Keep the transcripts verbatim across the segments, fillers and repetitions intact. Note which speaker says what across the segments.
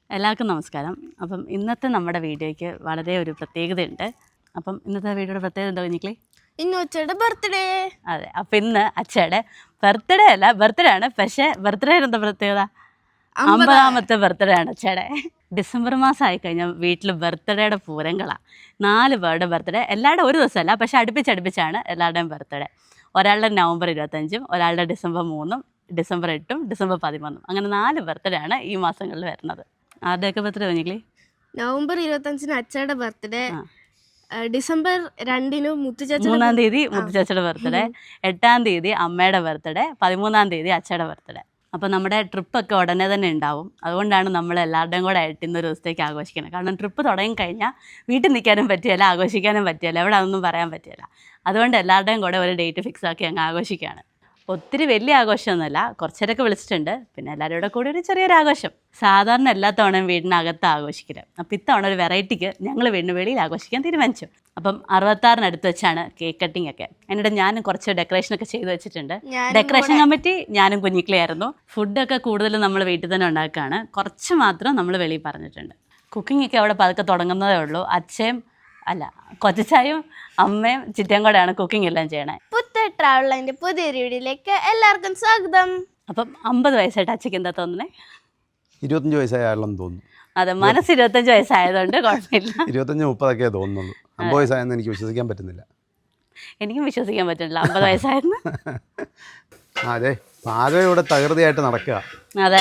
Speaker 1: എല്ലാവർക്കും നമസ്കാരം. അപ്പം ഇന്നത്തെ നമ്മുടെ വീഡിയോയ്ക്ക് വളരെ ഒരു പ്രത്യേകതയുണ്ട്. അപ്പം ഇന്നത്തെ വീഡിയോയുടെ പ്രത്യേകത എന്താ കുഞ്ഞിക്കളി?
Speaker 2: ഇന്ന് അച്ഛയുടെ ബർത്ത്ഡേ.
Speaker 1: അതെ, അപ്പം ഇന്ന് അച്ഛയുടെ ബർത്ത്ഡേ അല്ല, ബർത്ത്ഡേ ആണ്. പക്ഷേ ബർത്ത്ഡേ എന്താ പ്രത്യേകത? അമ്പതാമത്തെ ബർത്ത്ഡേ ആണ് അച്ഛയുടെ. ഡിസംബർ മാസം ആയിക്കഴിഞ്ഞാൽ വീട്ടിൽ ബർത്ത്ഡേയുടെ പൂരങ്ങളാണ്. നാല് പേരുടെ ബർത്ത്ഡേ, എല്ലാവരുടെ ഒരു ദിവസമല്ല, പക്ഷേ അടുപ്പിച്ചടുപ്പിച്ചാണ് എല്ലാവരുടെയും ബർത്ത്ഡേ. ഒരാളുടെ നവംബർ ഇരുപത്തഞ്ചും, ഒരാളുടെ ഡിസംബർ മൂന്നും, ഡിസംബർ എട്ടും, ഡിസംബർ പതിമൂന്നും, അങ്ങനെ നാല് ബർത്ത്ഡേ ആണ് ഈ മാസങ്ങളിൽ വരുന്നത്. ആരുടെയൊക്കെ ബർത്ത്ഡേ കുഞ്ഞിക്കളി?
Speaker 2: നവംബർ ഇരുപത്തഞ്ചിന് അച്ഛയുടെ ബർത്ത്ഡേ, ഡിസംബർ രണ്ടിന് മുത്തുചേച്ചി
Speaker 1: മൂന്നാം തീയതി മുത്തുചേച്ചിയുടെ ബർത്ത്ഡേ, എട്ടാം തീയതി അമ്മയുടെ ബർത്ത്ഡേ, പതിമൂന്നാം തീയതി അച്ഛയുടെ ബർത്ത്ഡേ. അപ്പോൾ നമ്മുടെ ട്രിപ്പൊക്കെ ഉടനെ തന്നെ ഉണ്ടാവും. അതുകൊണ്ടാണ് നമ്മൾ എല്ലാവരുടെയും കൂടെ ആയിട്ട് ഇന്നൊരു ദിവസത്തേക്ക് ആഘോഷിക്കുന്നത്. കാരണം ട്രിപ്പ് തുടങ്ങി കഴിഞ്ഞാൽ വീട്ടിൽ നിൽക്കാനും പറ്റിയല്ല, ആഘോഷിക്കാനും പറ്റിയല്ല, എവിടെ അതൊന്നും പറയാൻ പറ്റില്ല. അതുകൊണ്ട് എല്ലാവരുടെയും കൂടെ ഒരു ഡേറ്റ് ഫിക്സ് ആക്കി അങ്ങ് ആഘോഷിക്കുകയാണ്. ഒത്തിരി വലിയ ആഘോഷമൊന്നുമല്ല, കുറച്ചേരൊക്കെ വിളിച്ചിട്ടുണ്ട്. പിന്നെ എല്ലാവരും കൂടെ കൂടി ഒരു ചെറിയൊരു ആഘോഷം. സാധാരണ എല്ലാ തവണയും വീടിനകത്ത് ആഘോഷിക്കില്ല. അപ്പം ഇത്തവണ ഒരു വെറൈറ്റിക്ക് ഞങ്ങൾ വീടിന് വെളിയിൽ ആഘോഷിക്കാൻ തീരുമാനിച്ചു. അപ്പം അറുപത്താറിനടുത്ത് വെച്ചാണ് കേക്ക് കട്ടിംഗ് ഒക്കെ. എന്നിട്ട് ഞാനും കുറച്ച് ഡെക്കറേഷനൊക്കെ ചെയ്ത് വെച്ചിട്ടുണ്ട്. ഡെക്കറേഷൻ കമ്മിറ്റി ഞാനും കുഞ്ഞിക്കളിയായിരുന്നു. ഫുഡൊക്കെ കൂടുതലും നമ്മൾ വീട്ടിൽ തന്നെ ഉണ്ടാക്കുകയാണ്. കുറച്ച് മാത്രം നമ്മൾ വെളിയിൽ പറഞ്ഞിട്ടുണ്ട്. കുക്കിംഗ് ഒക്കെ അവിടെ പതുക്കെ തുടങ്ങുന്നതേ ഉള്ളൂ. അച്ഛയും അല്ല കൊച്ചായും അമ്മയും ചിറ്റയും കൂടെയാണ് കുക്കിംഗ് എല്ലാം ചെയ്യണേ.
Speaker 2: പുത്ത ട്രാവലിന്റെ പുതിയൊരു വീഡിയോയിലേക്ക് എല്ലാവർക്കും സ്വാഗതം.
Speaker 1: അപ്പം അമ്പത് വയസ്സായിട്ട് അച്ഛക്ക് എന്താ തോന്നുന്നേ?
Speaker 3: ഇരുപത്തഞ്ച് വയസ്സായാലെന്ന് തോന്നുന്നു.
Speaker 1: അതെ, മനസ്സ് ഇരുപത്തഞ്ച് വയസ്സായതുകൊണ്ട് കുഴപ്പമില്ല.
Speaker 3: ഇരുപത്തഞ്ച് മുപ്പതൊക്കെ തോന്നുന്നുള്ളൂ. അമ്പത് വയസ്സായെന്ന് എനിക്ക് വിശ്വസിക്കാൻ പറ്റുന്നില്ല.
Speaker 1: എനിക്കും വിശ്വസിക്കാൻ പറ്റുന്നില്ല അമ്പത് വയസ്സായിരുന്നു.
Speaker 3: അതെ, പാചകം ഇവിടെ തകൃതിയായിട്ട് നടക്കുക.
Speaker 1: അതെ,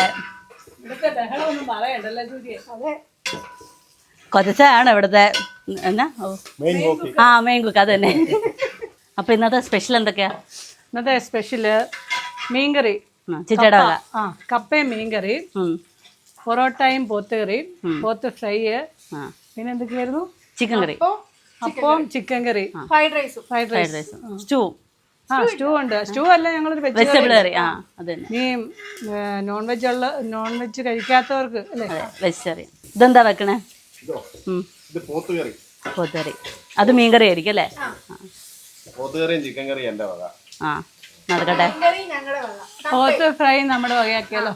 Speaker 1: കൊച്ചാണ് ഇവിടുത്തെ എന്നാ ആ മെയിൻ കുക്ക്. അത് തന്നെ. അപ്പം ഇന്നത്തെ സ്പെഷ്യൽ എന്തൊക്കെയാ?
Speaker 4: ഇന്നത്തെ സ്പെഷ്യല് മീൻകറി,
Speaker 1: ചിറ്റയുടെ വക.
Speaker 4: ആ കപ്പയും മീൻകറി, പൊറോട്ടയും പോത്തുകറി, പോത്ത് ഫ്രൈ, പിന്നെ എന്തൊക്കെയായിരുന്നു?
Speaker 1: Chicken curry,
Speaker 4: appam chicken curry, fried റൈസും
Speaker 1: ഫ്രൈഡ് റൈസ്, സ്റ്റൂ.
Speaker 4: ആ സ്റ്റൂ ഉണ്ട്. സ്റ്റൂ അല്ല, ഞങ്ങളൊരു
Speaker 1: വെജിറ്റബിൾ കറി. ആ അത് തന്നെ.
Speaker 4: നീ നോൺ വെജ് ഉള്ള നോൺ വെജ് കഴിക്കാത്തവർക്ക് അല്ലേ
Speaker 1: വെജിറ്റേറിയൻ. ഇതെന്താ വെക്കണേ?
Speaker 5: പോത്തുകറി.
Speaker 1: പോത്തുകറി. അത് മീൻകറി ആയിരിക്കും അല്ലേ?
Speaker 5: പോത്തുകറിയും ചിക്കൻ കറിയും എൻ്റെ വക.
Speaker 1: ആ നടക്കട്ടെ.
Speaker 4: പോത്ത് ഫ്രൈ നമ്മുടെ വകയാക്കിയാലോ?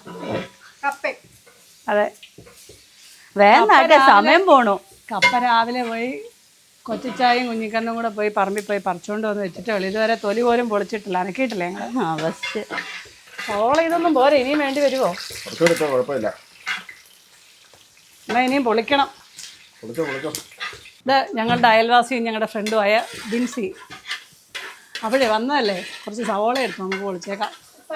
Speaker 4: അതെ,
Speaker 1: വേണ്ട, സമയം പോണു.
Speaker 4: കപ്പ രാവിലെ പോയി കൊച്ചിച്ചായും കുഞ്ഞിക്കണ്ണും കൂടെ പോയി പറമ്പിൽ പോയി പറിച്ചുകൊണ്ട് വന്ന് വെച്ചിട്ടേ ഉള്ളൂ. ഇതുവരെ തൊലി പോലും പൊളിച്ചിട്ടില്ല, അനക്കിയിട്ടില്ല ഞങ്ങൾ.
Speaker 1: ആ ബെസ്റ്റ്.
Speaker 4: ഓളെ ഇതൊന്നും പോരെ, ഇനിയും വേണ്ടി വരുമോ?
Speaker 5: കുറച്ചെടുത്തോ, കുഴപ്പമില്ല.
Speaker 4: എന്നാൽ ഇനിയും പൊളിക്കണം.
Speaker 5: പൊളിച്ചോ പൊളിച്ചോ.
Speaker 4: ഇത് ഞങ്ങളുടെ അയൽവാസിയും ഞങ്ങളുടെ ഫ്രണ്ടുമായ ബിൻസി. അപ്പോഴേ വന്നതല്ലേ, കുറച്ച് സവോള എടുത്തു നമുക്ക് പൊളിച്ചേക്കാം.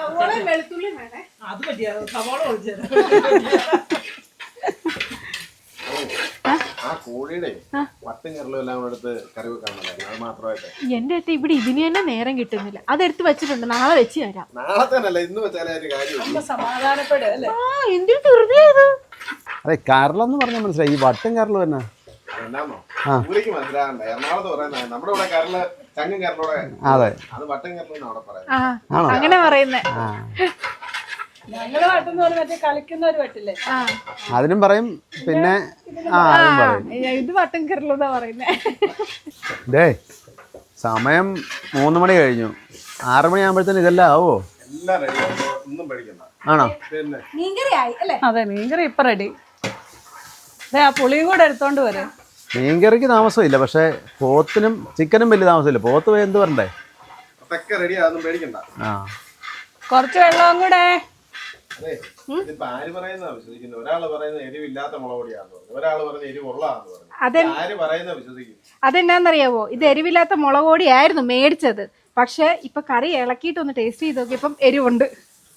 Speaker 5: ആ കോഴിയുടെ വട്ടും കരലും എല്ലാം കൂടെ എടുത്ത് കറി വെക്കാൻ അത് മാത്രമായിട്ട്.
Speaker 6: എന്റെ അടുത്ത് ഇവിടെ ഇതിന് തന്നെ നേരം കിട്ടുന്നില്ല. അതെടുത്ത് വെച്ചിട്ടുണ്ട്, നാളെ വെച്ച് തരാം.
Speaker 5: നാളെ തന്നെ അല്ല, ഇന്ന് വെച്ചാലേ ഒരു കാര്യം.
Speaker 4: സമാധാനപ്പെടുക അല്ലേ?
Speaker 6: ആ എന്തൊരു വെറുതെ ഇത്.
Speaker 3: അതെ, കരലെന്ന് പറഞ്ഞാൽ മനസ്സിലായി. ഈ വട്ടും കരലും തന്നെ
Speaker 5: എന്നാന്നോ ഊരിക്ക് മനസ്സിലാകണ്ട. എറണാകുളത്ത് പറയുന്നത് നമ്മുടെ ഇവിടെ കരല് ചങ്ങും കരലോടെ.
Speaker 3: അതെ,
Speaker 5: അത് വട്ടും കരലും അവിടെ പറയാം.
Speaker 6: ആ അങ്ങനെ പറയുന്നേ.
Speaker 4: ഞങ്ങള് വട്ടെന്ന് പറഞ്ഞ മറ്റേ കളിക്കുന്നവര് വട്ടില്ലേ,
Speaker 3: അതിനും പറയും. പിന്നെ ആ അതും പറയും.
Speaker 6: ഇത് വട്ടം കയറലെന്നാ പറയുന്നേ.
Speaker 3: ഡേ, സമയം മൂന്ന് മണി കഴിഞ്ഞു. ആറ് മണി ആകുമ്പോഴത്തേന് ഇതെല്ലാം ആവോ?
Speaker 5: എല്ലാം റെഡി, ഒന്നും പേടിക്കണ്ട.
Speaker 3: ആണോ?
Speaker 5: പിന്നെ
Speaker 4: അതെ, മീൻകറി ഇപ്പൊ റെഡി. അതെ, ആ പുളിയും കൂടെ എടുത്തോണ്ട് വരും.
Speaker 3: മീൻകറിക്ക് താമസമില്ല, പക്ഷെ പോത്തിനും ചിക്കനും വലിയ താമസമില്ല. പോത്ത് പോയി എന്ത് പറയണ്ടേ?
Speaker 5: അതൊക്കെ റെഡിയാ, ഒന്നും പേടിക്കണ്ട.
Speaker 3: ആ,
Speaker 4: കുറച്ച് വെള്ളവും കൂടെ.
Speaker 5: അതെ, ഇതിപ്പോ ആര് പറയുന്ന വിശ്വസിക്കുന്നത്? ഒരാള് പറയുന്നത് എരിവില്ലാത്ത മുളക് പൊടിയാന്ന് പറഞ്ഞു, ഒരാള് പറയുന്നത് എരിവുള്ളതാന്ന് പറഞ്ഞു. ആര് പറയുന്ന വിശ്വസിക്കും?
Speaker 6: അതെന്നാന്നറിയാവോ, ഇത് എരിവില്ലാത്ത മുളക് പൊടിയായിരുന്നു മേടിച്ചത്. പക്ഷെ ഇപ്പൊ കറി ഇളക്കിയിട്ട് ഒന്ന് ടേസ്റ്റ് ചെയ്ത് നോക്കിയപ്പം എരിവുണ്ട്.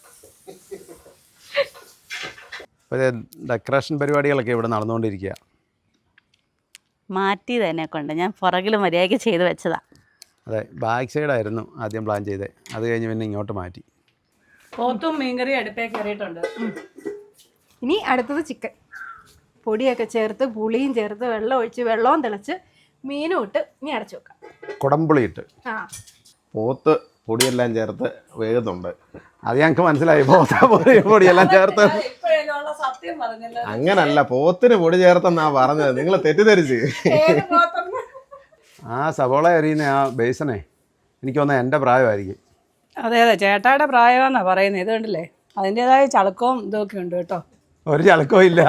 Speaker 3: ഡെക്കറേഷൻ പരിപാടികളൊക്കെ ഇവിടെ നടന്നുകൊണ്ടിരിക്കുക.
Speaker 1: മാറ്റി തന്നെ കൊണ്ട് ഞാൻ പുറകിൽ മര്യാദയ്ക്ക് ചെയ്ത് വെച്ചതാ.
Speaker 3: അതെ, ബാക്ക് സൈഡായിരുന്നു ആദ്യം പ്ലാൻ ചെയ്തത്. അത് കഴിഞ്ഞ് പിന്നെ ഇങ്ങോട്ട് മാറ്റി.
Speaker 4: പോത്തും മീൻകറിയും അടുപ്പേ കയറിയിട്ടുണ്ട്.
Speaker 6: ഇനി അടുത്തത് ചിക്കൻ. പൊടിയൊക്കെ ചേർത്ത് പുളിയും ചേർത്ത് വെള്ളം ഒഴിച്ച് വെള്ളവും തിളച്ച് മീനും ഇട്ട് ഇനി അടച്ചു വെക്കാം.
Speaker 3: കുടംപുളി ഇട്ട്.
Speaker 6: ആ,
Speaker 5: പോത്ത് പൊടിയെല്ലാം ചേർത്ത് വേകുന്നുണ്ട്.
Speaker 3: അത് ഞങ്ങൾക്ക് മനസ്സിലായി. പോത്ത പൊടി പൊടിയെല്ലാം ചേർത്ത്.
Speaker 4: സത്യം പറഞ്ഞല്ലോ,
Speaker 5: അങ്ങനല്ല, പോത്തിന് പൊടി ചേർത്തെന്നാ പറഞ്ഞത്, നിങ്ങൾ തെറ്റിദ്ധരിച്ച്.
Speaker 3: ആ സവോള എറിയുന്ന ആ ബേസനെ എനിക്ക് തോന്നുന്നത് എൻ്റെ പ്രായമായിരിക്കും.
Speaker 4: അതെ അതെ, ചേട്ടായുടെ പ്രായമാണെന്നാ പറയുന്നത്. ഇത് കണ്ടില്ലേ, അതിൻ്റെതായ ചളുക്കവും ഇതൊക്കെ ഉണ്ട് കേട്ടോ.
Speaker 3: ഒരു ചളക്കവും ഇല്ല.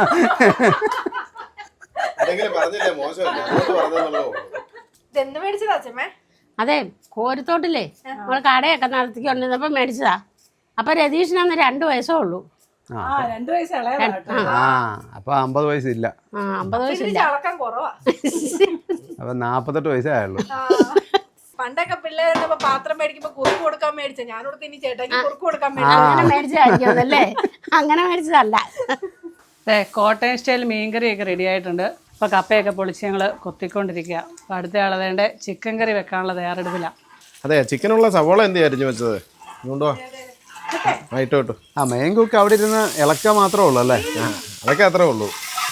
Speaker 5: എന്തെങ്കിലും പറഞ്ഞില്ലേ മോശമല്ല അങ്ങോട്ട് പറഞ്ഞെന്നുള്ളൂ.
Speaker 6: ഇതെന്ന് മേടിച്ചതാ അച്ഛമ്മേ?
Speaker 7: അതെ, കോരിത്തോട്ടില്ലേ നമ്മൾ കടയൊക്കെ നടത്തിക്കൊണ്ടിരുന്നപ്പോൾ മേടിച്ചതാ. അപ്പൊ രതീഷിനന്ന് രണ്ട് വയസ്സേ ഉള്ളൂ.
Speaker 3: ആ
Speaker 4: ആ രണ്ട് വയസ്സ് ഇളയതാ.
Speaker 3: ആ അപ്പൊ അമ്പത് വയസ്സില്ല.
Speaker 7: ആ അമ്പത് വയസ്സില്ല.
Speaker 6: ചളക്കം കുറവാ.
Speaker 3: അപ്പൊ നാപ്പത്തെട്ട് വയസ്സേ ആയുള്ളൂ.
Speaker 6: പണ്ടൊക്കെ പിള്ളേരുണ്ടപ്പോ പാത്രം മേടിക്കുമ്പോ കുറുക്ക് കൊടുക്കാൻ മേടിച്ച ഞാനോട് ഇനി ചേട്ടാക്കി കുറുക്ക് കൊടുക്കാൻ മേടിച്ച.
Speaker 7: അങ്ങനെ മേടിച്ചതായിരിക്കും അല്ലേ? അങ്ങനെ മേടിച്ചതല്ല.
Speaker 4: അതെ, കോട്ടയം സ്റ്റൈൽ മീൻകറിയൊക്കെ റെഡി ആയിട്ടുണ്ട്. അപ്പോൾ കപ്പയൊക്കെ പൊളിച്ച് ഞങ്ങൾ കൊത്തിക്കൊണ്ടിരിക്കുക. അപ്പോൾ അടുത്ത ആളതേണ്ട ചിക്കൻ കറി വെക്കാനുള്ള തയ്യാറെടുപ്പിലാണ്.
Speaker 5: അതെ, ചിക്കനുള്ള സവോള എന്ത് അരിഞ്ഞു വെച്ചത്? കൊണ്ടുവാ ആയിട്ട് കേട്ടു.
Speaker 3: ആ മെയിൻ കുക്ക് അവിടെ ഇരുന്ന് ഇളക്ക മാത്രമേ ഉള്ളൂ അല്ലേ?
Speaker 5: അതൊക്കെ അത്രേ ഉള്ളൂ.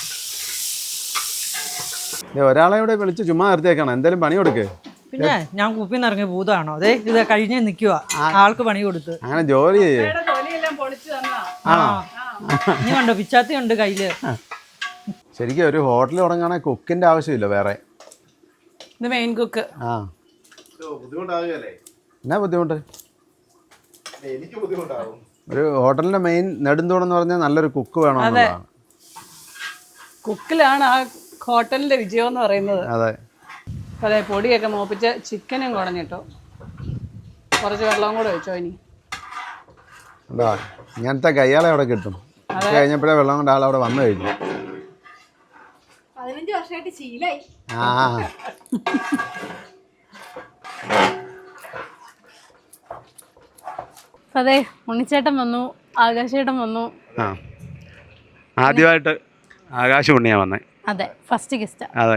Speaker 3: ഒരാളെ ഇവിടെ വിളിച്ച് ചുമ്മാ നിർത്തിയേക്കണം. എന്തായാലും പണി കൊടുക്കേ.
Speaker 8: പിന്നെ ഞാൻ കുപ്പിന്ന് ഇറങ്ങിയ ഭൂതമാണോ? അതെ, ഇത് കഴിഞ്ഞ് നിൽക്കുക, ആൾക്ക് പണി കൊടുത്ത്.
Speaker 3: അങ്ങനെ ജോലി ചെയ്യേ.
Speaker 4: തൊലിയെല്ലാം പൊളിച്ച് തന്നാ.
Speaker 3: ആണോ?
Speaker 8: ഇനി കണ്ടോ പിച്ചാത്തി ഉണ്ട് കയ്യില്.
Speaker 3: ശരിക്കും ഒരു ഹോട്ടൽ തുടങ്ങുകയാണെങ്കിൽ കുക്കിന്റെ ആവശ്യമില്ല വേറെ.
Speaker 4: ഇത് മെയിൻ കുക്ക്.
Speaker 3: ആ
Speaker 5: ബുദ്ധിമുട്ടാകുകയല്ലേ?
Speaker 3: എന്നാ ബുദ്ധിമുട്ട്?
Speaker 5: എനിക്ക് ബുദ്ധിമുട്ടാകും.
Speaker 3: ഒരു ഹോട്ടലിന്റെ മെയിൻ നെടുന്തൂണെന്ന് പറഞ്ഞാൽ നല്ലൊരു കുക്ക് വേണമെന്നുള്ളതാണ്.
Speaker 4: കുക്കിലാണ് ആ ഹോട്ടലിന്റെ വിജയം എന്ന് പറയുന്നത്.
Speaker 3: അതെ.
Speaker 4: അതെ, പൊടിയൊക്കെ മോപ്പിച്ച് ചിക്കനും കുടഞ്ഞിട്ടു. കുറച്ച് വെള്ളവും കൂടെ വെച്ചോ ഇനി.
Speaker 3: എന്താ ഇങ്ങനത്തെ കയ്യാളെ അവിടെ കിട്ടും. കഴിഞ്ഞപ്പോഴേ വെള്ളം കൊണ്ട് ആളവിടെ വന്നു കഴിഞ്ഞു.
Speaker 6: പതിനഞ്ച് വർഷമായിട്ട് ശീലായി.
Speaker 3: ആ
Speaker 1: അതെ, ഉണ്ണിച്ചേട്ടൻ വന്നു, ആകാശേട്ടൻ വന്നു.
Speaker 3: ആ ആദ്യമായിട്ട് ആകാശം ഉണ്ണിയാ വന്നേ.
Speaker 1: അതെ, ഫസ്റ്റ് ഗസ്റ്റ്.
Speaker 3: അതെ.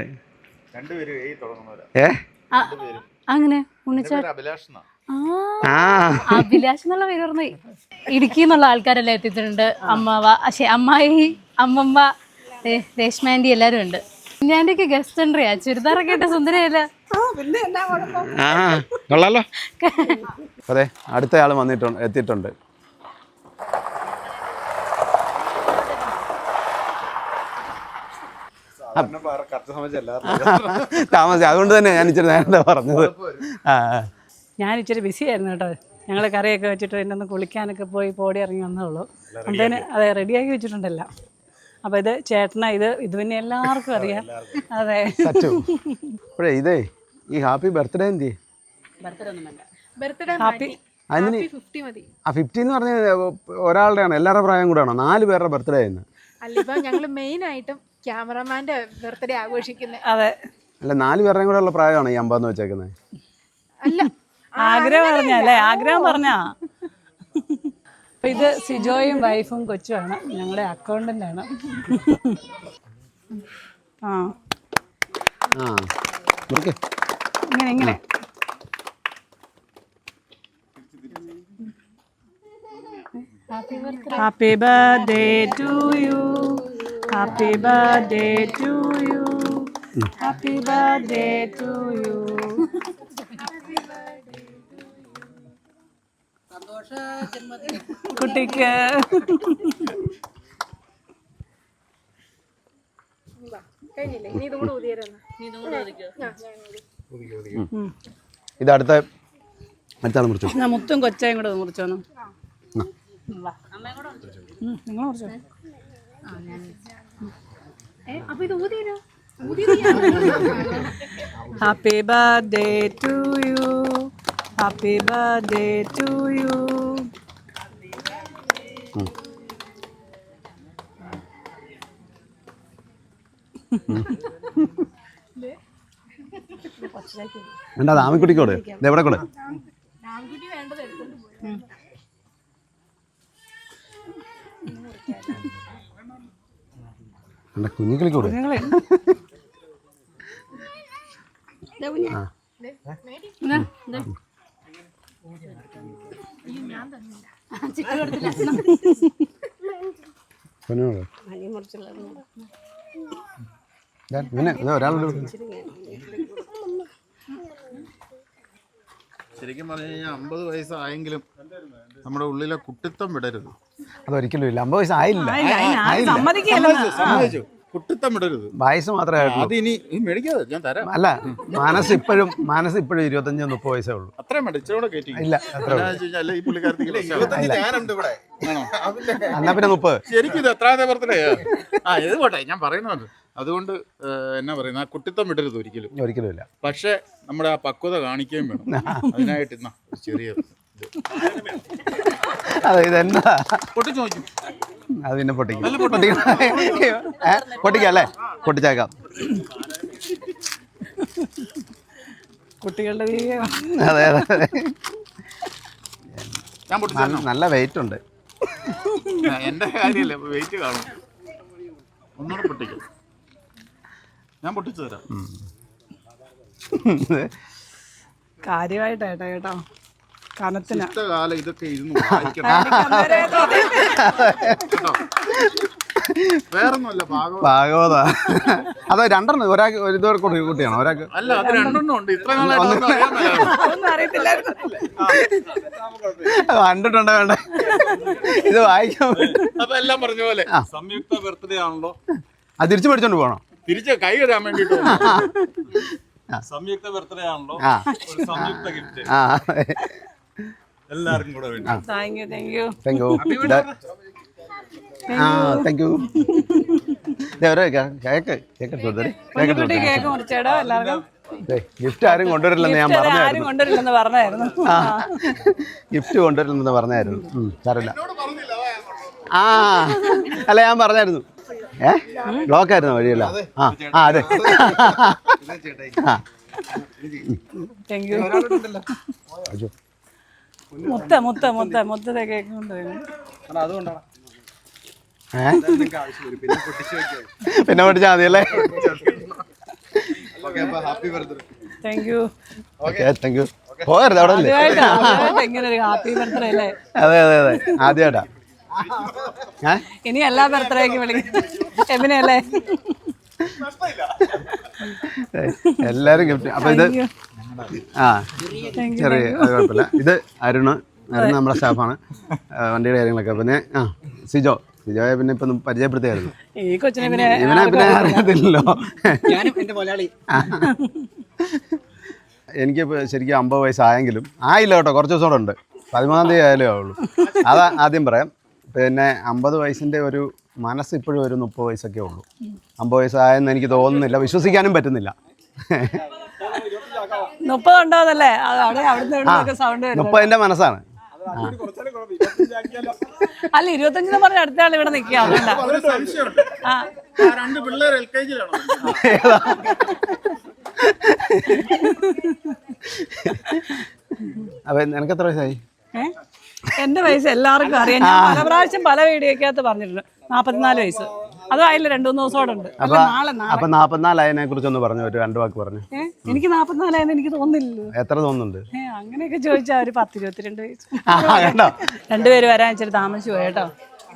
Speaker 3: ഏ
Speaker 1: അങ്ങനെ ഉണ്ണിച്ചേട്ടൻ
Speaker 5: അഭിലാഷ്
Speaker 1: ആ അഭിലാഷ് എന്നുള്ള പേര് പറഞ്ഞു. ഇടുക്കി എന്നുള്ള ആൾക്കാരെല്ലാം എത്തിയിട്ടുണ്ട്. അമ്മാവ, പക്ഷേ അമ്മായി, അമ്മമ്മ, രേഷ്മാൻറ്റി എല്ലാവരും ഉണ്ട്. ഞാൻ്റെയൊക്കെ ഗസ്റ്റ് എൻട്രിയാ. ചുരിദാറൊക്കെ ഇട്ട സുന്ദരയല്ല.
Speaker 3: ആ കൊള്ളാലോ. അതെ, അടുത്ത ആൾ വന്നിട്ടുണ്ട്, എത്തിയിട്ടുണ്ട്. താമസിച്ചു, അതുകൊണ്ട് തന്നെ ഞാൻ ഇച്ചിരി നേരത്തെ പറഞ്ഞത്. ആ
Speaker 4: ഞാൻ ഇച്ചിരി ബിസി ആയിരുന്നു കേട്ടോ. ഞങ്ങൾ കറിയൊക്കെ വെച്ചിട്ട് എൻ്റെ ഒന്ന് കുളിക്കാനൊക്കെ പോയി പോടി ഇറങ്ങി വന്നതുള്ളൂ. അന്തേന് അതെ റെഡിയാക്കി വെച്ചിട്ടുണ്ടല്ലോ. അപ്പോൾ ഇത് ചേട്ടനാ, ഇത് ഇത് പിന്നെ എല്ലാവർക്കും അറിയാം. അതെ.
Speaker 3: അപ്പോഴേ ഇതേ ഈ ഹാപ്പി ബർത്ത്ഡേ എന്തി
Speaker 6: ബർത്ത്ഡേ
Speaker 4: ഹാപ്പി
Speaker 3: അതിന്
Speaker 6: ഫിഫ്റ്റി മതി.
Speaker 3: ആ ഫിഫ്റ്റി എന്ന് പറഞ്ഞാൽ ഒരാളുടെ ആണോ എല്ലാവരുടെ പ്രായം കൂടെ ആണോ? നാല് പേരുടെ ബർത്ത്ഡേ ആയിരുന്നു.
Speaker 6: അല്ല, ഇപ്പൊ ഞങ്ങള് മെയിൻ ആയിട്ടും ക്യാമറമാന്റെ ബർത്ത്ഡേ ആഘോഷിക്കുന്നത്.
Speaker 4: അതെ.
Speaker 3: അല്ല, നാല് പേരുടെയും കൂടെ ഉള്ള പ്രായമാണോ ഈ അമ്പതെന്ന് വെച്ചേക്കുന്നത്?
Speaker 6: അല്ല,
Speaker 4: ആഗ്രഹം പറഞ്ഞല്ലേ? ആഗ്രഹം പറഞ്ഞാ. അപ്പൊ ഇത് സിജോയും വൈഫും കൊച്ചുമാണ്. ഞങ്ങളുടെ അക്കൗണ്ടന്റ് ആണ്. ആ
Speaker 3: ആ മുറിക്ക്.
Speaker 4: ഇങ്ങനെ ഇങ്ങനെ. Happy birthday to you, happy birthday to you, happy birthday to you. കുട്ടിക്ക്
Speaker 6: കഴിഞ്ഞില്ലേ? ഇനി ഇതും കൂടെ ഊതിയായിരുന്നു.
Speaker 3: ഇത് അടുത്ത അടുത്താണ് മുറിച്ചു.
Speaker 4: ഞാൻ മുത്തും കൊച്ചായും കൂടെ മുറിച്ചോന്നു. നിങ്ങൾ മുറിച്ചോ.
Speaker 6: അപ്പൊ ഇത് ഊതിയോ?
Speaker 4: Happy birthday to you, happy birthday to you.
Speaker 3: എന്താ ആമിക്കുട്ടിക്കോട് ഇത് എവിടെ കൂടെ? കുഞ്ഞിക്കിളിക്കൂടെ? പിന്നെ ഒരാളുടെ
Speaker 5: ശരിക്കും പറഞ്ഞു കഴിഞ്ഞാൽ അമ്പത് വയസ്സായെങ്കിലും നമ്മുടെ ഉള്ളിലെ കുട്ടിത്തം വിടരുത്.
Speaker 3: അതൊരിക്കലും ഇല്ല. അമ്പത് വയസ്സ് ആയില്ല.
Speaker 4: സമ്മതിക്കില്ല.
Speaker 9: കുട്ടിത്തം വിടരുത്.
Speaker 3: വയസ്സ് മാത്രമേ ആയിട്ടുള്ളൂ.
Speaker 9: അത് ഇനി മേടിക്കാതെ ഞാൻ തരാം.
Speaker 3: അല്ല, മനസ്സ് ഇപ്പോഴും മനസ്സ് ഇപ്പോഴും ഇരുപത്തഞ്ച് മുപ്പത് വയസ്സേ ഉള്ളൂ.
Speaker 9: അത്രയും വേണ്ട, ഇച്ചിരി കയറ്റി.
Speaker 3: ഇല്ല, അത്ര
Speaker 9: ഈ പുള്ളിക്കാരത്തി ഞാനുണ്ട് ഇവിടെ.
Speaker 3: എന്നാ പിന്നെ മുപ്പത്.
Speaker 9: ശരിക്കും ഇത് എത്രാമത്തെ ബർത്ത്ഡേ? ആ ഇത് പോട്ടെ, ഞാൻ പറയുന്നത് അതുകൊണ്ട് എന്നാ പറയുന്നത്, ആ കുട്ടിത്തം വിടരുത് ഒരിക്കലും.
Speaker 3: ഒരിക്കലും ഇല്ല.
Speaker 9: പക്ഷെ നമ്മുടെ ആ പക്വത കാണിക്കുകയും വേണം. അതിനായിട്ട് ഇന്നാ ചെറിയ
Speaker 3: അതെ, ഇതെന്താ
Speaker 9: പൊട്ടിച്ചു നോക്കും.
Speaker 3: അത് പിന്നെ പൊട്ടിക്കും. പൊട്ടിക്കാം അല്ലേ? പൊട്ടിച്ചേക്കാം.
Speaker 4: കുട്ടികളുടെ
Speaker 3: അതെ അതെ
Speaker 9: ഞാൻ പൊട്ടിച്ചു.
Speaker 3: നല്ല വെയിറ്റ് ഉണ്ട്.
Speaker 9: എന്റെ കാര്യമല്ലേ, വെയിറ്റ് കാണും. ഒന്നുകൂടെ പൊട്ടിക്കും. ഞാൻ പൊട്ടിച്ചു തരാം.
Speaker 4: കാര്യമായിട്ടാ കേട്ടോ, കനത്തിന്
Speaker 9: കാലം ഇതൊക്കെ ഇരുന്ന് വായിക്കണം. വേറൊന്നുമല്ല,
Speaker 3: ഭാഗവത. അത് രണ്ടെണ്ണം ഒരാൾക്ക് ഒരു ഇതോടെ കുട്ടിയാണോ? ഒരാൾക്ക്
Speaker 9: അല്ല, അത് രണ്ടെണ്ണം ഉണ്ട്. ഇത്ര നാളായിട്ട്
Speaker 3: കണ്ടിട്ടുണ്ടോ? വേണ്ട, ഇത് വായിക്കാൻ.
Speaker 9: അപ്പൊ എല്ലാം പറഞ്ഞ പോലെ സംയുക്ത ബർത്ത്ഡേ ആണല്ലോ.
Speaker 3: അത് തിരിച്ചു പഠിച്ചോണ്ട് പോകണം.
Speaker 9: തിരിച്ച് കൈ തരാൻ വേണ്ടിട്ട്
Speaker 5: സംയുക്ത ബർത്ത്ഡേ ആണല്ലോ, ഒരു സംയുക്ത ഗിഫ്റ്റ്
Speaker 3: ആ
Speaker 5: എല്ലാവർക്കും കൂടെ വേണ്ടി.
Speaker 4: Thank you thank you
Speaker 3: thank you. ആ താങ്ക് യു. കേക്ക് കേക്ക്
Speaker 4: കുഞ്ഞുകുട്ടി കേക്ക് മുറിച്ചേടോ എല്ലാവർക്കും.
Speaker 3: ഗിഫ്റ്റ് ആരും കൊണ്ടുവരില്ലെന്ന് ഞാൻ
Speaker 4: ആരും
Speaker 3: പറഞ്ഞായിരുന്നു.
Speaker 4: കൊണ്ടുവരില്ലെന്ന് പറഞ്ഞായിരുന്നു.
Speaker 3: ആ ഗിഫ്റ്റ് കൊണ്ടുവരില്ലെന്ന് പറഞ്ഞായിരുന്നു. സാരമില്ല. ആ അല്ല, ഞാൻ പറഞ്ഞായിരുന്നു. ഏ ബ്ലോക്ക് ആയിരുന്നു വഴിയല്ല. ആ ആ അതെ.
Speaker 4: Thank you. മുത്ത മുത്ത മുത്ത മുത്തത്തെ കേക്ക് കൊണ്ടുവരുന്നു.
Speaker 3: പിന്നെ പൊട്ടിച്ചാൽ മതിയല്ലേ?
Speaker 4: Thank you.
Speaker 3: Thank you. പോകരുത് അവിടെ അല്ലേ?
Speaker 4: ഇങ്ങനെ ഒരു ഹാപ്പി ബർത്ത്ഡേ അല്ലേ?
Speaker 3: അതെ അതെ അതെ, ആദ്യമായിട്ടാ.
Speaker 4: ഇനി എല്ലാ ബർത്ത്ഡേക്കും വിളിക്കും എബിനല്ലേ?
Speaker 3: എല്ലാരും ഗിഫ്റ്റ്. അപ്പൊ ഇത് ആ ചെറിയ കുഴപ്പമില്ല. ഇത് അരുണ്. അരുണ് നമ്മുടെ സ്റ്റാഫാണ്, വണ്ടിയുടെ കാര്യങ്ങളൊക്കെ. പിന്നെ ആ സിജോ. സിജോയെ പിന്നെ ഇപ്പൊ പരിചയപ്പെടുത്തിയായിരുന്നു.
Speaker 4: ഈ കൊച്ചിനെ പിന്നെ
Speaker 3: ഇവനെ പിന്നെ അറിയത്തില്ലല്ലോ. എനിക്ക് ശരിക്കും അമ്പത് വയസ്സായെങ്കിലും ആയില്ല കേട്ടോ, കുറച്ച് ദിവസം കൂടെ ഉണ്ട്. പതിമൂന്നാം തീയതി ആയാലേ ആവുള്ളൂ. അതാ ആദ്യം പറയാം. പിന്നെ അമ്പത് വയസ്സിൻ്റെ ഒരു മനസ്സ് ഇപ്പോഴും ഒരു മുപ്പത് വയസ്സൊക്കെ ഉള്ളൂ. അമ്പത് വയസ്സായെന്ന് എനിക്ക് തോന്നുന്നില്ല, വിശ്വസിക്കാനും പറ്റുന്നില്ല.
Speaker 4: മുപ്പതുണ്ടോന്നല്ലേ സൗണ്ട്?
Speaker 3: മുപ്പതിൻ്റെ മനസ്സാണ്.
Speaker 4: അല്ല, ഇരുപത്തഞ്ചിന് പറഞ്ഞ അടുത്ത ആൾ ഇവിടെ നിൽക്കുക.
Speaker 9: രണ്ട് പിള്ളേർ എൽ കെ ജിയിലാണോ?
Speaker 3: അപ്പൊ നിനക്ക് എത്ര വയസ്സായി?
Speaker 4: എന്റെ വയസ്സ് എല്ലാവർക്കും അറിയാം. ഞാൻ പല പ്രാവശ്യം പല വീഡിയോക്കകത്ത് പറഞ്ഞിട്ടുണ്ട്. നാപ്പത്തിനാല് വയസ്സ്. അതും അതിൽ രണ്ടു മൂന്ന് ദിവസം കൂടെ ഉണ്ട്.
Speaker 3: അപ്പൊ നാപ്പത്തിനാലായതിനെ കുറിച്ചൊന്ന് പറഞ്ഞു, ഒരു രണ്ടു വാക്ക് പറഞ്ഞു.
Speaker 4: എനിക്ക് നാപ്പത്തിനാലായെന്ന് എനിക്ക് തോന്നുന്നില്ലല്ലോ.
Speaker 3: എത്ര തോന്നുന്നുണ്ട്?
Speaker 4: ഏഹ് അങ്ങനെയൊക്കെ ചോദിച്ചാൽ ഒരു പത്ത് ഇരുപത്തിരണ്ട് വയസ്സ്. രണ്ടുപേര് വരാൻ ഇച്ചിരി താമസിച്ചു പോയി കേട്ടോ.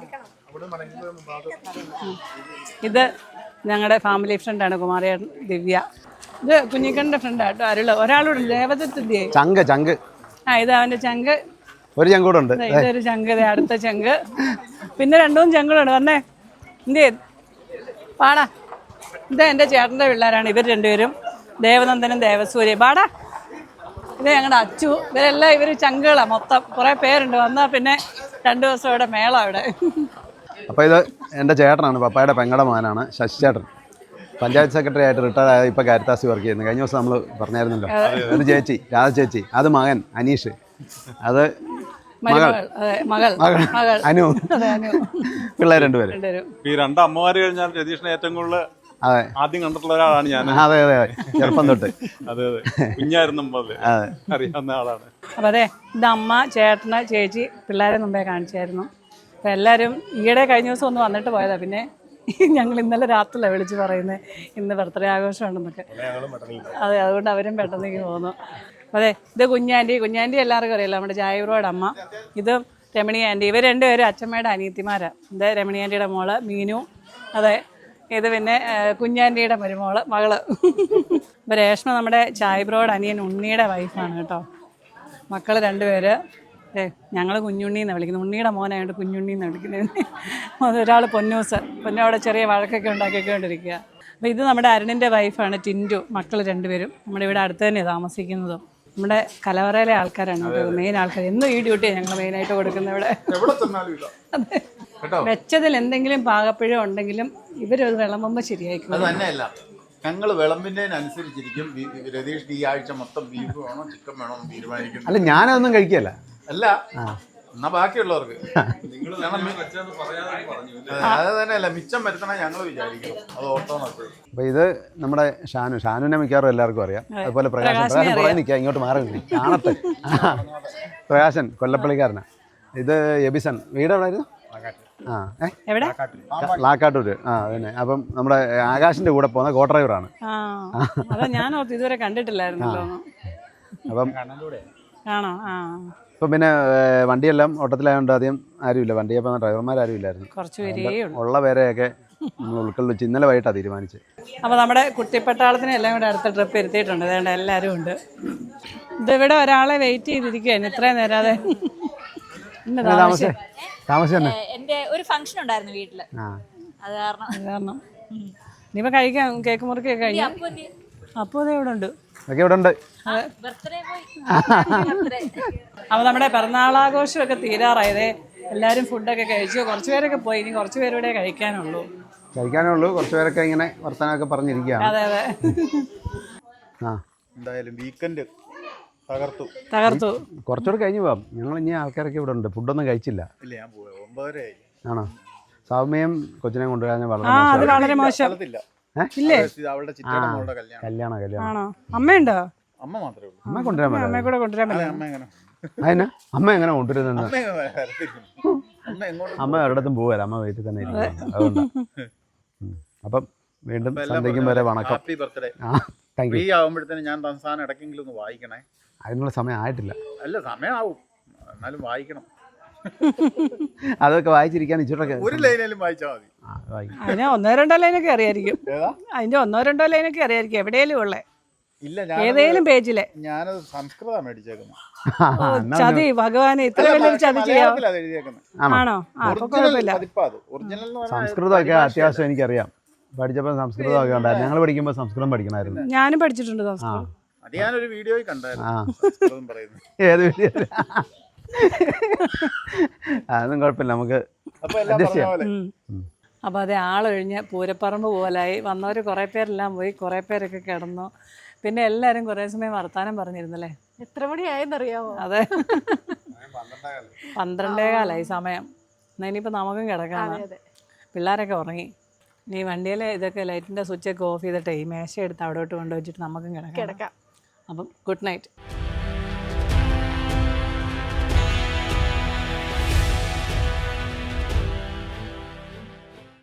Speaker 4: ഇത് ഞങ്ങളുടെ ഫാമിലി ഫ്രണ്ടാണ് കുമാരിയേട്ടൻ, ദിവ്യ. ഇത് കുഞ്ഞിക്കണ്ണന്റെ ഫ്രണ്ടാട്ടോ, അരുള്. ഒരാളോട് ദേവദത്തിന്റെയായി
Speaker 3: ചങ്ക് ചങ്ക്.
Speaker 4: ആ ഇത് അവന്റെ ചങ്ക്.
Speaker 3: ഒരു ചങ്കൂടെ ഉണ്ട്.
Speaker 4: ഇതൊരു ചങ്ക്, അടുത്ത ചങ്ക്. പിന്നെ രണ്ടു മൂന്ന് ചങ്കുകളുണ്ട്. വന്നേ എന്ത് പാടാ. ഇത് എൻ്റെ ചേട്ടൻ്റെ പിള്ളേരാണ് ഇവർ രണ്ടുപേരും, ദേവനന്ദനും ദേവസൂര്യ. പാടാ. ഇത് ഞങ്ങളുടെ അച്ചു. ഇവരെല്ലാം ഇവർ ചങ്കുകളാണ് മൊത്തം. കുറേ പേരുണ്ട്. വന്നാൽ പിന്നെ രണ്ടു ദിവസം ഇവിടെ മേള ഇവിടെ.
Speaker 3: അപ്പോൾ ഇത് എൻ്റെ ചേട്ടനാണ്, പപ്പായുടെ പെങ്ങളുടെ മകനാണ്, ശശി ചേട്ടൻ. പഞ്ചായത്ത് സെക്രട്ടറി ആയിട്ട് റിട്ടയർ ആയ ഇപ്പോൾ കാരിത്താസി വർക്ക് ചെയ്യുന്നത്. കഴിഞ്ഞ ദിവസം നമ്മൾ പറഞ്ഞായിരുന്നല്ലോ. ഒരു ചേച്ചി, രാധ ചേച്ചി. അത് മകൻ അനീഷ്. അത് മകൾ
Speaker 4: മകൾ
Speaker 3: അനു. പിള്ളേർ രണ്ടുപേരും.
Speaker 5: ഈ രണ്ട് അമ്മമാര് കഴിഞ്ഞാൽ രതീഷിനെ ഏറ്റവും കൂടുതൽ
Speaker 3: അതെ
Speaker 5: ആദ്യം കണ്ടിട്ടുള്ള ഒരാളാണ് ഞാൻ.
Speaker 3: അതെ അതെ അതെ, ചെറുപ്പം തൊട്ട്.
Speaker 5: അതെ അതെ, കുഞ്ഞായിരുന്നു അറിയാവുന്ന ആളാണ്.
Speaker 4: അപ്പം അതെ, ഇത് അമ്മ, ചേട്ടന്, ചേച്ചി, പിള്ളേരെ മുമ്പേ കാണിച്ചായിരുന്നു. അപ്പം എല്ലാവരും ഈയിടെ കഴിഞ്ഞ ദിവസം ഒന്ന് വന്നിട്ട് പോയതാണ്. പിന്നെ ഞങ്ങൾ ഇന്നലെ രാത്രിയിലാണ് വിളിച്ച് പറയുന്നത് ഇന്ന് ബർത്ത്ഡേ ആഘോഷമുണ്ടെന്നൊക്കെ. അതെ, അതുകൊണ്ട് അവരും പെട്ടെന്നേക്ക് പോന്നു. അതെ, ഇത് കുഞ്ഞാൻറ്റി. കുഞ്ഞാൻറ്റി എല്ലാവർക്കും അറിയില്ല, നമ്മുടെ ജായൂറോയുടെ അമ്മ. ഇത് രമണി ആൻറ്റി. ഇവർ രണ്ടുപേരും അച്ഛമ്മയുടെ അനിയത്തിമാരാണ്. ഇത് രമണി ആൻറ്റിയുടെ മോള് മീനു. അതെ, ഇത് പിന്നെ കുഞ്ഞാൻറ്റിയുടെ മരുമോള് മകള്. ഇപ്പോൾ രേഷ്മ നമ്മുടെ ചായബ്രോയുടെ അനിയൻ ഉണ്ണിയുടെ വൈഫാണ് കേട്ടോ. മക്കൾ രണ്ടുപേര്. ഏ ഞങ്ങൾ കുഞ്ഞുണ്ണി എന്നാണ് വിളിക്കുന്നത്. ഉണ്ണിയുടെ മോനായതുകൊണ്ട് കുഞ്ഞുണ്ണി എന്നാണ് വിളിക്കുന്നത്. ഒരാൾ പൊന്നൂസ്, പൊന്നവിടെ ചെറിയ വഴക്കൊക്കെ ഉണ്ടാക്കിക്കൊണ്ടിരിക്കുക. അപ്പോൾ ഇത് നമ്മുടെ അരുണിൻ്റെ വൈഫാണ് ടിൻറ്റു, മക്കൾ രണ്ടുപേരും നമ്മുടെ ഇവിടെ അടുത്ത് തന്നെ താമസിക്കുന്നതും. നമ്മുടെ കലവറയിലെ ആൾക്കാരാണ് കേട്ടോ മെയിൻ ആൾക്കാർ. എന്നും ഈ ഡ്യൂട്ടിയാണ് ഞങ്ങൾ മെയിനായിട്ട് കൊടുക്കുന്നത് ഇവിടെ. അതെ, വെച്ചതിൽ എന്തെങ്കിലും പാകപ്പിഴ ഉണ്ടെങ്കിലും ഇവരത് വിളമ്പുമ്പോൾ ശരിയായിരിക്കും.
Speaker 9: അത് തന്നെയല്ല, ഞങ്ങൾ വിളമ്പിനനുസരിച്ചിരിക്കും രതീഷ് ഈ ആഴ്ച മൊത്തം ബീഫ് വേണോ ചിക്കൻ വേണോ എന്ന് തീരുമാനിക്കുന്നു.
Speaker 3: അല്ല ഞാനതൊന്നും കഴിക്കല്ല.
Speaker 9: അല്ല എന്നാ ബാക്കിയുള്ളവർക്ക് അത് തന്നെയല്ല, മിച്ചം വരുത്തണ ഞങ്ങൾ വിചാരിക്കും. അത് ഓർത്തോ നോക്കും.
Speaker 3: അപ്പോൾ ഇത് നമ്മുടെ ഷാനു, ഷാനുവിനെ മിക്കവാറും എല്ലാവർക്കും അറിയാം. അതുപോലെ പ്രകാശൻ, പ്രകാശൻ പുറകെ നിൽക്കുക, ഇങ്ങോട്ട് മാറി നിൽക്കുക, കാണട്ടെ. പ്രകാശൻ കൊല്ലപ്പള്ളിക്കാരനാണ്. ഇത് എബിസൺ, വീട് എവിടെ ആയിരുന്നു? ആ ഏ
Speaker 4: എവിടെ?
Speaker 3: ലാക്കാട്ടൂര്. ആ അതന്നെ. അപ്പം നമ്മുടെ ആകാശിന്റെ കൂടെ പോകുന്ന കോ ഡ്രൈവറാണ്.
Speaker 4: അതാ ഞാൻ ഓർത്ത് ഇതുവരെ കണ്ടിട്ടില്ലായിരുന്നല്ലോ.
Speaker 3: അപ്പം
Speaker 4: ആണോ? ആ
Speaker 3: ഇപ്പം പിന്നെ വണ്ടിയെല്ലാം ഓട്ടത്തിലായതുകൊണ്ട് അധികം ആരുമില്ല, വണ്ടി അപ്പം ഡ്രൈവർമാരും ഇല്ലായിരുന്നു.
Speaker 4: കുറച്ച് പേരേ
Speaker 3: ഉള്ള പേരെയൊക്കെ നമ്മൾ ഉൾക്കൊള്ളിച്ച് ഇന്നലെ വൈകിട്ടാണ് തീരുമാനിച്ചത്.
Speaker 4: അപ്പോൾ നമ്മുടെ കുട്ടിപ്പട്ടാളത്തിന് എല്ലാം കൂടെ അടുത്ത ട്രിപ്പ് ഇരുത്തിയിട്ടുണ്ട്. അതുകൊണ്ട് എല്ലാവരും ഉണ്ട്. ഇതിവിടെ ഒരാളെ വെയിറ്റ് ചെയ്തിരിക്കുകയാണ് ഇത്രയും നേരാതെ.
Speaker 3: താമസം താമസം തന്നെ
Speaker 10: എന്റെ ഒരു ഫംഗ്ഷൻ ഉണ്ടായിരുന്നു വീട്ടില്, അത് കാരണം
Speaker 4: അത് കാരണം ഇനിയിപ്പോൾ കഴിക്കാം. കേക്ക് മുറിക്കൊക്കെ കഴിഞ്ഞു. അപ്പോൾ അത് ഇവിടെ ഉണ്ട്,
Speaker 3: ഒക്കെ ഇവിടെ ഉണ്ട്.
Speaker 10: ബർത്ത്ഡേ പോയി.
Speaker 4: അപ്പോൾ നമ്മുടെ പിറന്നാളാഘോഷമൊക്കെ തീരാറായതേ. എല്ലാവരും ഫുഡൊക്കെ കഴിച്ചു. കുറച്ച് പേരൊക്കെ പോയി, ഇനി കുറച്ച് പേരുടെ കഴിക്കാനുള്ളൂ.
Speaker 3: കഴിക്കാനേ ഉള്ളൂ. കുറച്ച് പേരൊക്കെ ഇങ്ങനെ വർത്തമാനമൊക്കെ പറഞ്ഞിരിക്കുകയാണ്.
Speaker 4: അതെ അതെ.
Speaker 3: ആ
Speaker 9: എന്തായാലും വീക്കെൻഡ് തകർത്തു
Speaker 4: തകർത്തു.
Speaker 3: കുറച്ചുകൂടെ കഴിഞ്ഞ് പോവാം. ഞങ്ങൾ ഇനി ആൾക്കാരൊക്കെ ഇവിടെ ഉണ്ട്. ഫുഡൊന്നും കഴിച്ചില്ല.
Speaker 9: ഇല്ല, ഞാൻ പോയി ഒമ്പതരയായി.
Speaker 3: ആണോ? സൗമ്യയും കൊച്ചിനെ കൊണ്ടുവരാൻ വളരെ
Speaker 4: ആ അത് വളരെ മോശം. ഇല്ലേ?
Speaker 9: അവളുടെ ചിറ്റയുടെ മോളുടെ കല്യാണം.
Speaker 3: കല്യാണം കല്യാണം
Speaker 4: ആണോ? അമ്മയുണ്ടോ?
Speaker 9: അമ്മ മാത്രമേ ഉള്ളൂ.
Speaker 3: അമ്മ കൊണ്ടുവരാൻ പറ്റില്ല.
Speaker 4: അമ്മയെ കൂടെ കൊണ്ടുവരാൻ
Speaker 9: അല്ല,
Speaker 4: പറ്റില്ല.
Speaker 9: അമ്മ എങ്ങനെ
Speaker 3: അതിന് അമ്മ എങ്ങനെ കൊണ്ടുവരുന്നത്?
Speaker 9: അമ്മ എങ്ങനെ വരത്തില്ല. അമ്മ എങ്ങോട്ടും
Speaker 3: അമ്മ ഒരിടത്തും പോവല്ല, അമ്മ വീട്ടിൽ തന്നെ ഇരിക്കും. അതുകൊണ്ടാണ്. അപ്പം വീണ്ടും സന്ധ്യയ്ക്കും വരെ വണക്കം.
Speaker 9: Happy birthday.
Speaker 3: ആ താങ്ക്
Speaker 9: ഫ്രീ
Speaker 3: യു.
Speaker 9: ആവുമ്പോഴത്തേനും ഞാൻ തൻസാനം ഇടയ്ക്കെങ്കിലും ഒന്ന് വായിക്കണേ.
Speaker 3: അതിനുള്ള സമയം ആയിട്ടില്ല.
Speaker 9: അല്ല, സമയമാവും, എന്നാലും വായിക്കണം.
Speaker 3: അതൊക്കെ വായിച്ചിരിക്കാൻ ഇച്ചിട്ടൊക്കെ
Speaker 9: ഒരു ലൈനേലും വായിച്ചാൽ മതി.
Speaker 4: അതിന് ഒന്നോ രണ്ടോ ലൈനൊക്കെ അറിയായിരിക്കും. അതിന്റെ ഒന്നോ രണ്ടോ ലൈനൊക്കെ അറിയായിരിക്കും എവിടെയെങ്കിലും ഉള്ളേ.
Speaker 9: ഇല്ല,
Speaker 4: ഏതേലും പേജിലെ.
Speaker 9: ഞാനത് സംസ്കൃതമാണ് മേടിച്ചേക്കുന്നത്.
Speaker 4: ചതി ഭഗവാനെ, ഇത്ര വലിയ ചതി ചെയ്യാം. ആണോ?
Speaker 3: സംസ്കൃതമൊക്കെ അത്യാവശ്യം എനിക്കറിയാം. പഠിച്ചപ്പോൾ സംസ്കൃതമൊക്കെ ഉണ്ടായിരുന്നു. ഞങ്ങൾ പഠിക്കുമ്പോൾ സംസ്കൃതം പഠിക്കണമായിരുന്നു.
Speaker 4: ഞാനും പഠിച്ചിട്ടുണ്ട് സംസ്കൃതം.
Speaker 9: അത് ഞാനൊരു വീഡിയോയിൽ കണ്ടായിരുന്നു.
Speaker 3: ഏത് വീഡിയോ? അതൊന്നും കുഴപ്പമില്ല, നമുക്ക് അഡ്ജസ്റ്റ് ചെയ്യാം.
Speaker 4: അപ്പോൾ അത് ആളൊഴിഞ്ഞ് പൂരപ്പറമ്പ് പോലായി. വന്നവർ കുറേ പേരെല്ലാം പോയി, കുറേ പേരൊക്കെ കിടന്നു. പിന്നെ എല്ലാവരും കുറേ സമയം വർത്താനം പറഞ്ഞിരുന്നല്ലേ.
Speaker 6: എത്ര മണിയായെന്നറിയാമോ?
Speaker 4: അതെ, പന്ത്രണ്ടേ കാലായി സമയം. എന്നാൽ ഇനിയിപ്പോൾ നമുക്കും കിടക്കാം. പിള്ളേരൊക്കെ ഉറങ്ങി. ഇനി വണ്ടിയിൽ ഇതൊക്കെ ലൈറ്റിൻ്റെ സ്വിച്ചൊക്കെ ഓഫ് ചെയ്തിട്ടേ ഈ മേശ എടുത്ത് അവിടോട്ട് കൊണ്ടുവച്ചിട്ട് നമുക്കും കിടക്കാം.
Speaker 6: കിടക്കാം.
Speaker 4: അപ്പം ഗുഡ് നൈറ്റ്.